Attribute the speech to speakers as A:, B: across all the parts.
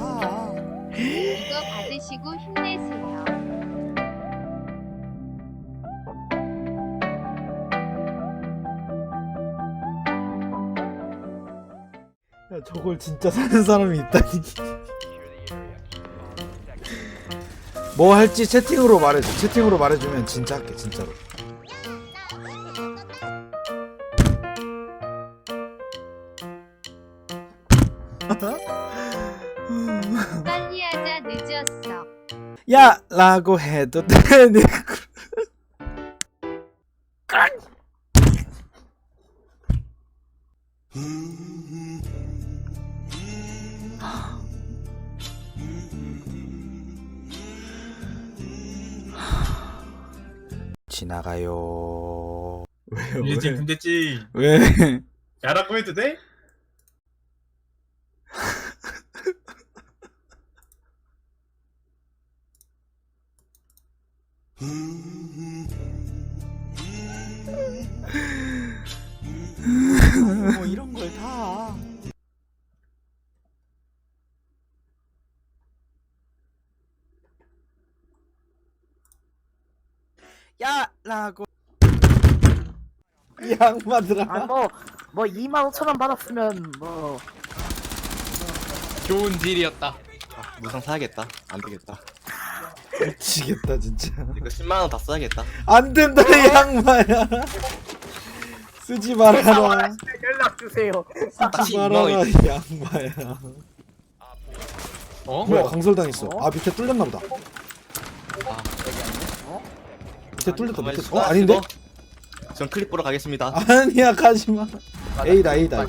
A: 다.
B: 이거 받으시고 힘내세요.
A: 야, 저걸 진짜 사는 사람이 있다니. 뭐 할지 채팅으로 말해줘. 채팅으로 말해주면 진짜 할게, 진짜로.
B: 빨리 하자 늦었어.
A: 야! 라고 해도 돼. 지나가요. 왜요?
C: 일진 군대찌
A: 왜?
C: 야라고 해도 돼?
A: 뭐 이런 걸 다. 야! 라고. 이 양반들아.
D: 아 뭐 25,000원 받았으면 뭐
E: 좋은 딜이었다.
F: 무상 사야겠다. 안 되겠다.
A: 미치겠다 진짜.
F: 이거 10만 원 다 써야겠다.
A: 안 된다 이 양반야. 쓰지 말아라.
D: 연락 주세요.
A: 쓰지 말아라 이 양반야.
E: 어?
A: 뭐야 강설당했어. 아 밑에 뚫렸나 보다. 밑에 뚫렸다 밑에. 어 아닌데?
F: 전 클립 보러 가겠습니다.
A: 아니야 가지마. A다 A다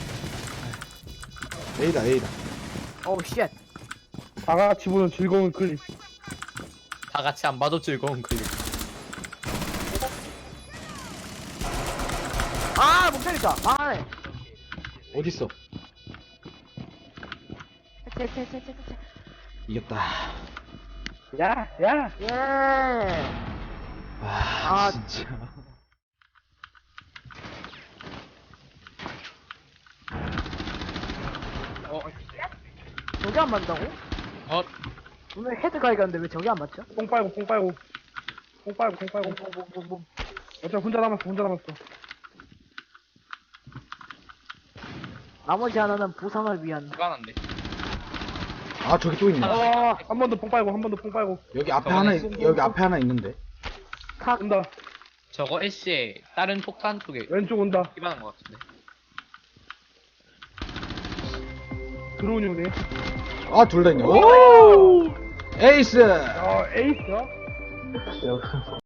A: A다 A다.
D: 어우 쉣.
G: 다 같이 보는 즐거운 클립.
E: 다 같이 안 봐도 즐거운 클립.
D: 아 목소리다. 망하네.
A: 어딨어?
D: 채채채채채.
A: 이겼다.
G: 야, 야.
D: 예.
A: 아 진짜.
D: 저게 안 맞다고?
E: 어?
D: 오늘 헤드 가이가는데 왜 저게 안 맞죠?
G: 뽕 빨고, 뽕 빨고. 뽕 빨고, 뽕 빨고.
D: 뽕뽕뽕뽕.
G: 어차피 혼자 남았어, 혼자 남았어.
D: 나머지 하나는 부상을 위한.
E: 불안한데.
A: 아 저기 또 있네.
G: 한 번 더 뽕 빨고, 한 번 더 뽕 빨고.
A: 여기 앞에
E: 저거네.
A: 하나 여기 앞에 하나 있는데.
D: 탁.
G: 온다.
E: 저거 애쉬에 다른 폭탄 쪽에
G: 왼쪽 온다.
E: 기반한 것 같은데.
G: 드론이 오네.
A: 아 둘 다 있네. 오! 에이스.
G: 에이스야?